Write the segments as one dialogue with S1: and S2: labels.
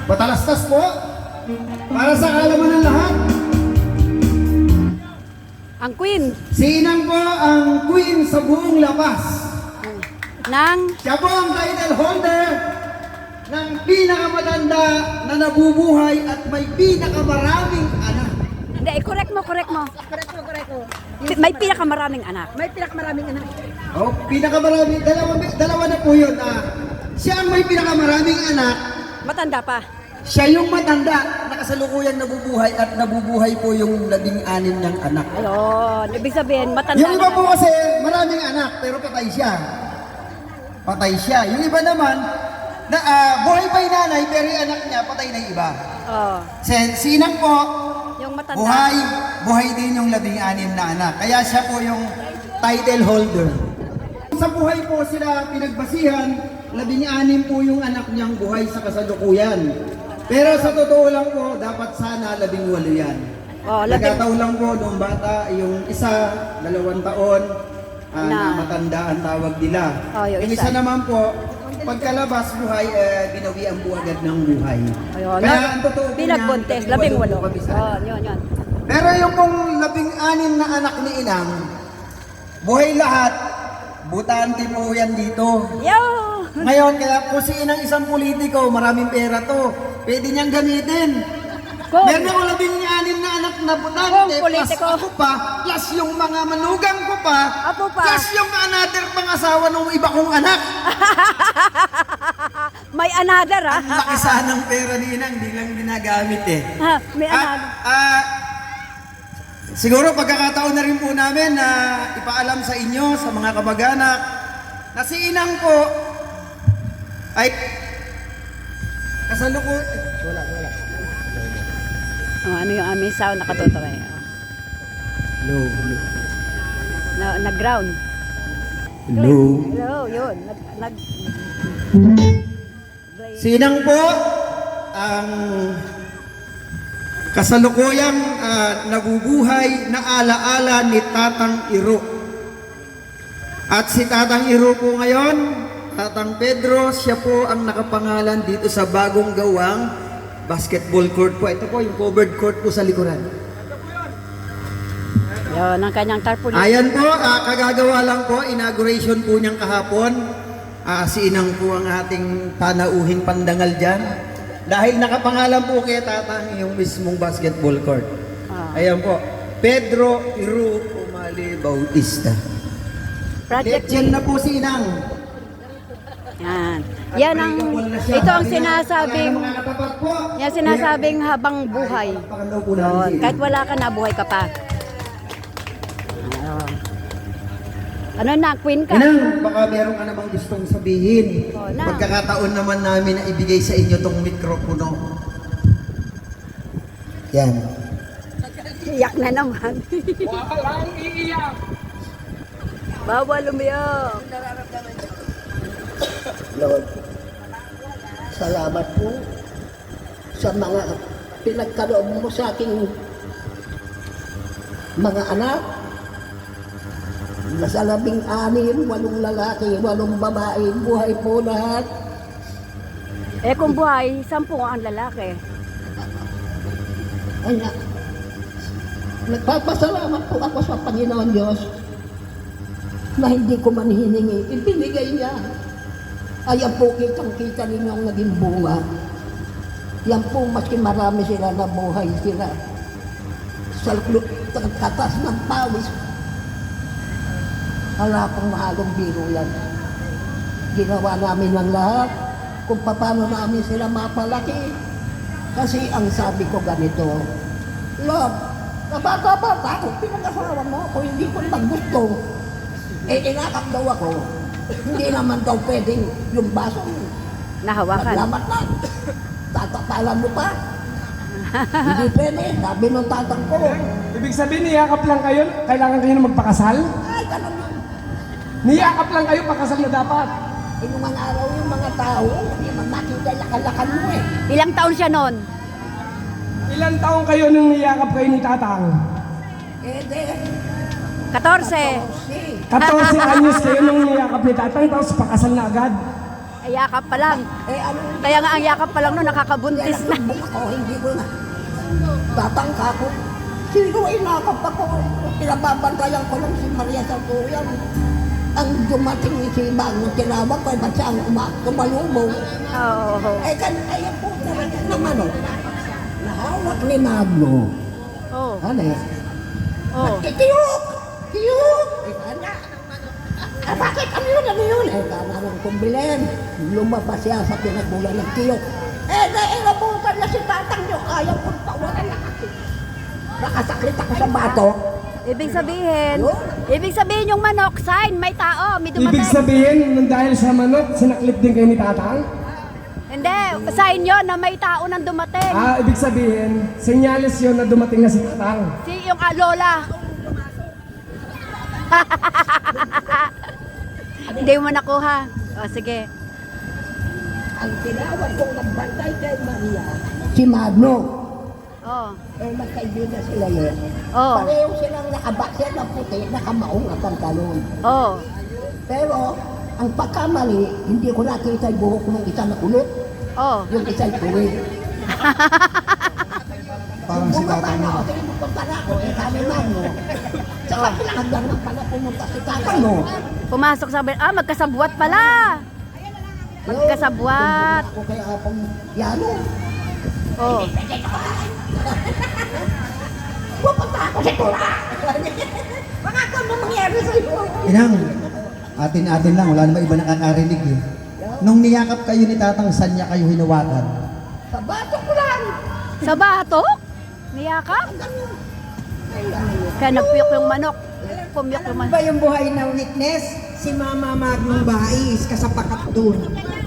S1: Patalastas po. Para sa kaalaman ng lahat.
S2: Ang queen.
S1: Si Inang po ang queen sa buong lapas. Siya po ang title holder ng pinakamatanda na nabubuhay at may pinakamaraming anak.
S2: Hindi, correct mo.
S3: Correct mo.
S2: May pinakamaraming anak.
S3: May pinakamaraming anak.
S1: Oh, pinakamaraming, dalawa na po yun. Siya ang may pinakamaraming anak.
S2: Matanda pa.
S1: Siya yung matanda na kasalukuyang nabubuhay at nabubuhay po yung 16 niyang anak.
S2: Ayun. Ibig sabihin, matanda
S1: Yung iba
S2: na.
S1: po kasi maraming anak pero patay siya. Patay siya. Yung iba naman, buhay pa yung nanay pero yung anak niya patay na yung iba.
S2: Oh,
S1: Si Inang po,
S2: yung matanda.
S1: buhay din yung 16 na anak. Kaya siya po yung title holder. Sa buhay po sila pinagbasihan, 16 po yung anak niyang buhay sa kasalukuyan. Pero sa totoo lang po, dapat sana 18 yan.
S2: Oh,
S1: Nagkataon lang po nung bata, yung isa, 2 taon, na matanda ang tawag nila.
S2: Oh, yung
S1: isa
S2: isa
S1: naman po, pagkalabas buhay, binawian po agad ng buhay.
S2: Ayun.
S1: Kaya ang totoo po
S2: Pinagbuntis,
S1: niyan,
S2: 18.
S1: po kami sa
S2: Oh, yun.
S1: Pero yung pong 16 na anak ni Inang, buhay lahat, butante po yan dito.
S2: Yo!
S1: Ngayon, kaya po si Inang isang politiko, maraming pera to, pwede niyang gamitin.
S2: Kung-
S1: Meron ako 16 na anak na butante,
S2: Kung
S1: plus
S2: politiko.
S1: ako pa, plus yung mga manugang ko pa,
S2: Ako pa.
S1: plus yung another pangasawa ng iba kong anak.
S2: May another, ha?
S1: Ang laki sana ng pera ni Inang, di lang ginagamit eh.
S2: May another.
S1: Siguro pagkakataon na rin po namin na ipaalam sa inyo, sa mga kamag-anak, na si Inang po ay wala.
S2: Oh, ano yung aming sound nakatutok eh.
S1: Hello.
S2: Nag-ground.
S1: Hello.
S2: Hello, yun.
S1: Si Inang po ang kasalukuyang nabubuhay na alaala ni Tatang Iro. At si Tatang Iro po ngayon, Tatang Pedro, siya po ang nakapangalan dito sa bagong gawang basketball court po. Ito po yung covered court po sa likuran.
S2: Yun, ang kanyang tarpaulin.
S1: Ayan po, kagagawa lang po, inauguration po niyang kahapon. Si Inang po ang ating panauhing pandangal dyan. Dahil nakapangalan po kay Tatang yung mismong basketball court. Ayan po, Pedro Iro Umali Bautista.
S2: Project
S1: Yan na po si Inang.
S2: Yan. Yan ang, ito ang sinasabing habang buhay. Yun. Kahit wala ka na, buhay ka pa. Ano na, queen ka?
S1: Inang, baka meron ka namang gustong sabihin.
S2: Oh, na.
S1: Pagkakataon naman namin na ibigay sa inyo tong mikropono. Yan.
S2: Iyak na naman.
S4: Walang iiyak.
S2: Bawal umiyak.
S5: Lord, salamat po sa mga pinagkaloob mo sa aking mga anak. Nasa 16, 8 lalaki, 8 babae, buhay po lahat.
S2: Eh kung buhay, 10 ang lalaki.
S5: Kaya, nagpapasalamat po ako sa Panginoon Diyos na hindi ko man hiningi, ibinigay niya. Ayan po, kitang-kita ninyo ang naging bunga. Yan po, maski marami sila na buhay sila. Sa katas ng pawis, wala pong mahalong biro yan. Ginawa namin ng lahat kung paano namin sila mapalaki. Kasi ang sabi ko ganito, Lord, nabata-bata ako, pinag-asawa mo ako, hindi ko naman gusto. Inakap daw ako. Hindi naman daw pwedeng yung baso.
S2: Nahawakan.
S5: Naglamat na. Tatapalan mo pa. Hindi pwede. Sabi ng tatang ko.
S4: Ibig sabihin, niyakap lang kayo, kailangan kayo na magpakasal?
S5: Ay, ganun yun.
S4: Niyakap lang kayo, pakasal na dapat.
S5: Yung mga araw yung mga tao, hindi man makita lakalakan mo eh.
S2: Ilang taon siya noon?
S4: Ilang taong kayo nung niyakap kayo ni Tatang?
S5: Eh, de.
S2: 14.
S4: 14 anyos kayo nung niyakap ni Tatang, tapos pakasal na agad.
S2: yakap pa lang.
S5: Eh ano,
S2: Kaya nga ang yakap pa lang no, nakakabuntis na.
S5: sumbong ako, hindi ko na. Tatangka ko. Sino inakap ako? Pinababantayan ko lang si Maria Santuyan. Ang dumating si Bang, tinawag ko, ba't siya ang tumalubong?
S2: Oo.
S5: Ayan po talaga naman, oh. Nahawak ni Magno.
S2: Oh.
S5: Ano eh?
S2: Oh.
S5: Tiyuk! Tiyuk! Bakit? Ano yun? Ano yun? Kana nang kumbilin. Lumabas siya sa pinagbulan ng tiyuk. Nainabutan na si tatang niyo. Ayaw kong tawanan na kasi. Nakasaklit ako sa bato.
S2: Ibig sabihin yung manok, sign, may tao, may dumating.
S4: Ibig sabihin, nang dahil sa manok, sinaklit din kayo ni Tatang?
S2: Hindi, sign yun na may tao nang dumating.
S4: Ibig sabihin, senyales yun na dumating na si Tatang.
S2: Si yung lola. Hindi mo nakuha. O, sige.
S5: Ang tinawag kong nagbantay kay Maria, si Magno.
S2: Oh.
S5: Magkaibigan sila yun.
S2: Oh.
S5: Pareho silang nakabakser na puti, nakamaong na pantalon.
S2: Oh.
S5: Pero, ang pagkamali, hindi ko nakita yung buhok ng isa na kulot,
S2: Oh.
S5: yung isa yung kuwi.
S1: Parang si tatang
S5: Bumaba
S1: mo.
S5: na ako, pumunta na ako, sabi Magno. Saka pinakagdan na pala pumunta si tatang mo.
S2: Pumasok sa magkasabwat pala. Magkasabwat.
S5: Ako kay Apong Yano.
S2: Oh.
S5: Pupunta ako sa Tura. Mga ako ano mangyari sa'yo.
S1: Inang, atin-atin lang, wala naman iba nakakarinig eh. Nung niyakap kayo ni tatang, saan niya kayo hinawakan?
S5: Sa bato ko lang.
S2: Sa batok? Niyakap? Kaya nagpiyok yung manok. Pumiyok yung manok.
S3: Ba yung buhay na witness? Si Mama Magnong Bais, kasapakat dun.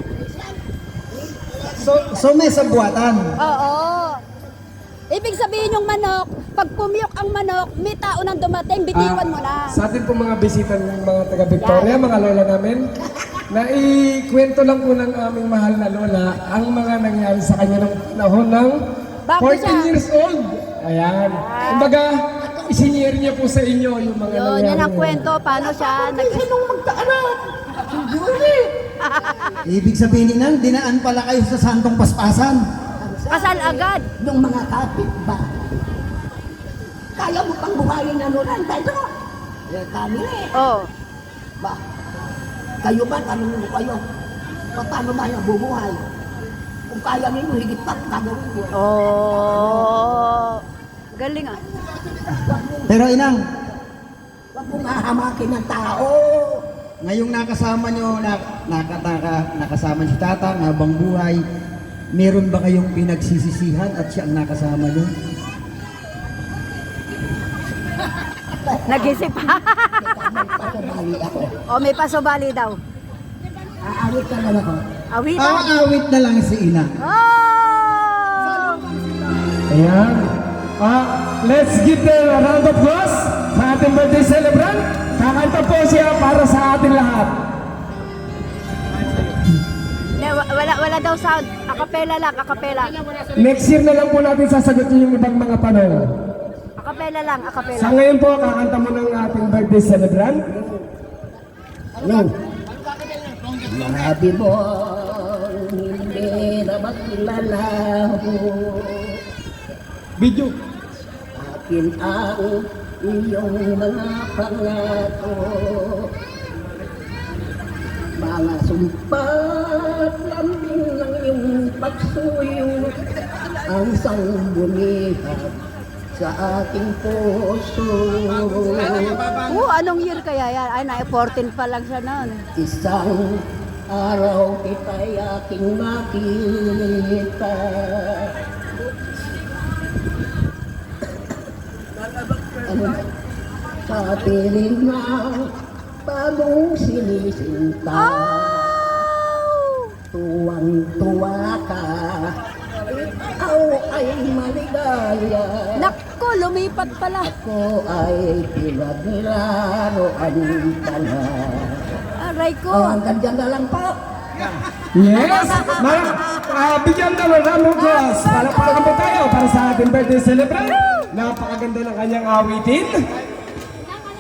S1: So may sabuatan.
S2: Oo. Ibig sabihin yung manok, pag pumiyok ang manok, may tao nang dumating, bitiwan mo na.
S4: Sa atin po mga bisita ng mga taga-Victoria, mga lola namin, naikwento lang po ng aming mahal na lola ang mga nangyari sa kanya ng panahon ng
S2: Bago
S4: 14
S2: siya.
S4: years old. Ayan. Kumbaga, isinyer niya po sa inyo yung mga
S2: Yun,
S4: nangyari.
S2: yan ang kwento, paano siya
S5: Sinong magkaanak? Si Julie.
S1: Ibig sabihin nang dinaan pala kayo sa santong paspasan.
S2: Kasal agad.
S5: Yung mga kapit ba? Kaya mo pang buhayin na nulan, Pedro? Eh, kami eh.
S2: Oh.
S5: Ba? Kayo ba? Tanong mo kayo. Paano ba yung bubuhay? Kung kaya ninyo, higit pa gagawin ko.
S2: Oh. Galing ah.
S1: Pero inang,
S5: Huwag mong hahamakin ng tao.
S1: ngayong nakasama nyo, nakasama si tatang habang buhay, meron ba kayong pinagsisisihan at siya ang nakasama nyo?
S2: Nag-isip pa.
S5: Pasabali ako.
S2: O, may pasobali daw.
S5: Aawit ka na ako.
S2: Awit.
S1: Awit na lang si inang.
S2: Oh!
S4: Ayan. Let's give them a round of applause sa ating birthday celebrant. Kakanta po siya para sa ating lahat.
S2: Wala daw sound. Akapela lang, akapela.
S4: Next year na lang po natin sasagutin yung ibang mga tanong.
S2: Akapela lang, akapela.
S4: Sa ngayon po, kakanta mo ng ating birthday celebrant.
S5: Ano? Labi mo hindi na maglalaho.
S4: Video.
S5: Akin ang iyong mga pangako. Mga sumpat lambing ng iyong pagsuyo. Ang sangbunihan sa aking puso.
S2: Anong year kaya yan? Ay, 14 pa lang siya noon.
S5: Isang araw kita'y aking makita. Ano? Sa piling ng bagong sinisinta.
S2: Oh!
S5: Tuwang-tuwa ka. Ikaw ay maligaya.
S2: Naku, lumipat pala.
S5: Ako ay pinaglaruan ka na.
S2: Aray ko.
S5: Ang ganda na lang po.
S4: Yes! Bigyan na ng round of applause. Palakpakan po tayo para sa ating birthday celebrant. Napakaganda ng kanyang awitin.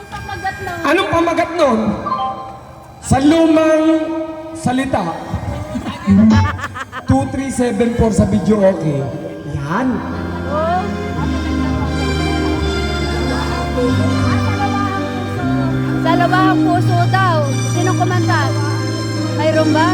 S4: Anong pamagat nun? Sa lumang salita, 2374 sa video okay. Yan.
S2: Oh. Sa lawahang puso daw. Sinong kumanta? Mayroon ba?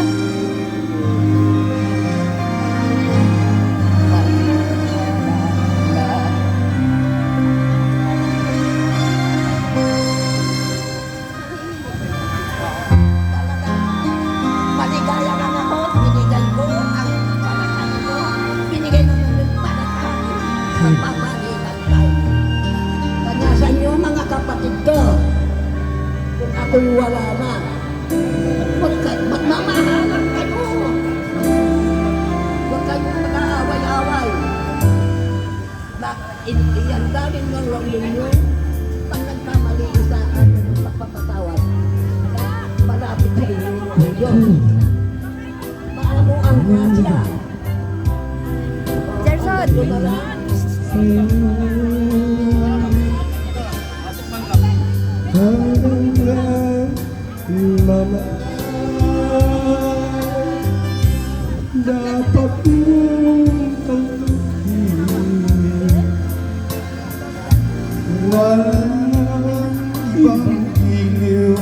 S5: Maligaya lang ako, binigay ko ang palakay ko. Binigay naman ng palakay. Magpapalitan tayo. Kanya sa inyo mga kapatid ko, kung ako'y wala na, magmamahalan kayo. Huwag kayong mag-aaway-aaway. Iyan galing ng lang ninyo, pag nagkamali sa akin ng pagpapatawad, malapit sa inyo ang Diyos. Maamo ang grasya.
S2: Gerson.
S5: Ito na lang.
S4: Mama, dapat mong tanggapin. Walang ibang iliw.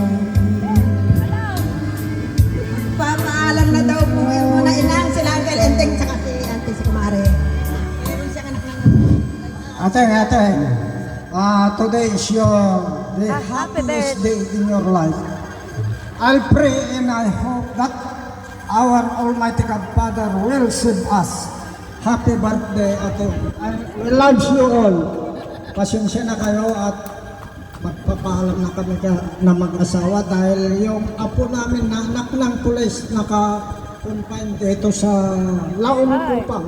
S3: Pamaalam na daw po yung muna inang sila Uncle Enteng tsaka si Auntie si Kumare. Meron siyang anak ng
S6: Ate, today is your the
S2: Happy
S6: happiest day in your life. I pray and I hope that our Almighty God Father will save us. Happy birthday, Ate. We love you all. Pasensya na kayo at magpapaalam na kami na mag-asawa dahil yung apo namin na anak ng pulis naka-confine dito sa Laon Kupang.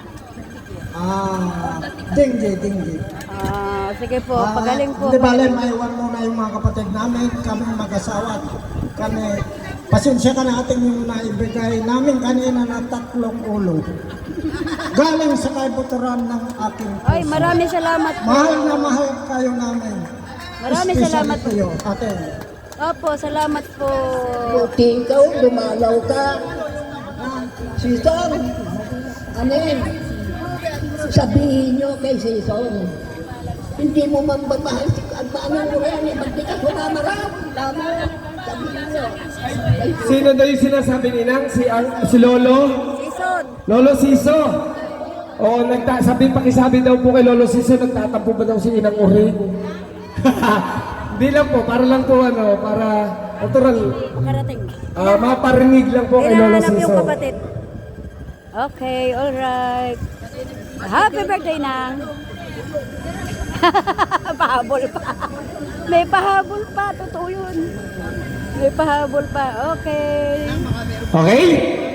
S6: Dinggi.
S2: Sige po, pagaling po.
S6: Hindi bale, maiwan muna yung mga kapatid namin, kami mag-asawa. Kami, pasensya ka natin yung naibigay namin kanina na 3 ulo. Galing sa kaibuturan ng aking puso.
S2: Ay, maraming salamat po.
S6: Mahal na mahal kayo namin.
S2: Maraming
S6: Especially
S2: salamat po.
S6: kayo, ate.
S2: Opo, salamat po.
S5: Buti ikaw, dumalaw ka. Sison, anin, sabihin nyo kay Sison, hindi mo mamamahal si Agmano mo yan, ba't di ka sumamarap? Tama, sabihin nyo.
S4: Sino daw yung sinasabi ni Nang? Si Lolo?
S2: Sison.
S4: Lolo Siso. Oo, pakisabi daw po kay Lolo Siso, nagtatampo ba daw si Inang Uring? Hindi lang po, para lang po para natural.
S2: Makarating.
S4: Maparinig lang po kay Lolo
S2: Hinahanap yung
S4: Siso.
S2: kapatid. Okay, alright. Happy birthday, Nang. Pahabol pa. May pahabol pa. Totoo yun. May pahabol pa. Okay.
S4: Okay?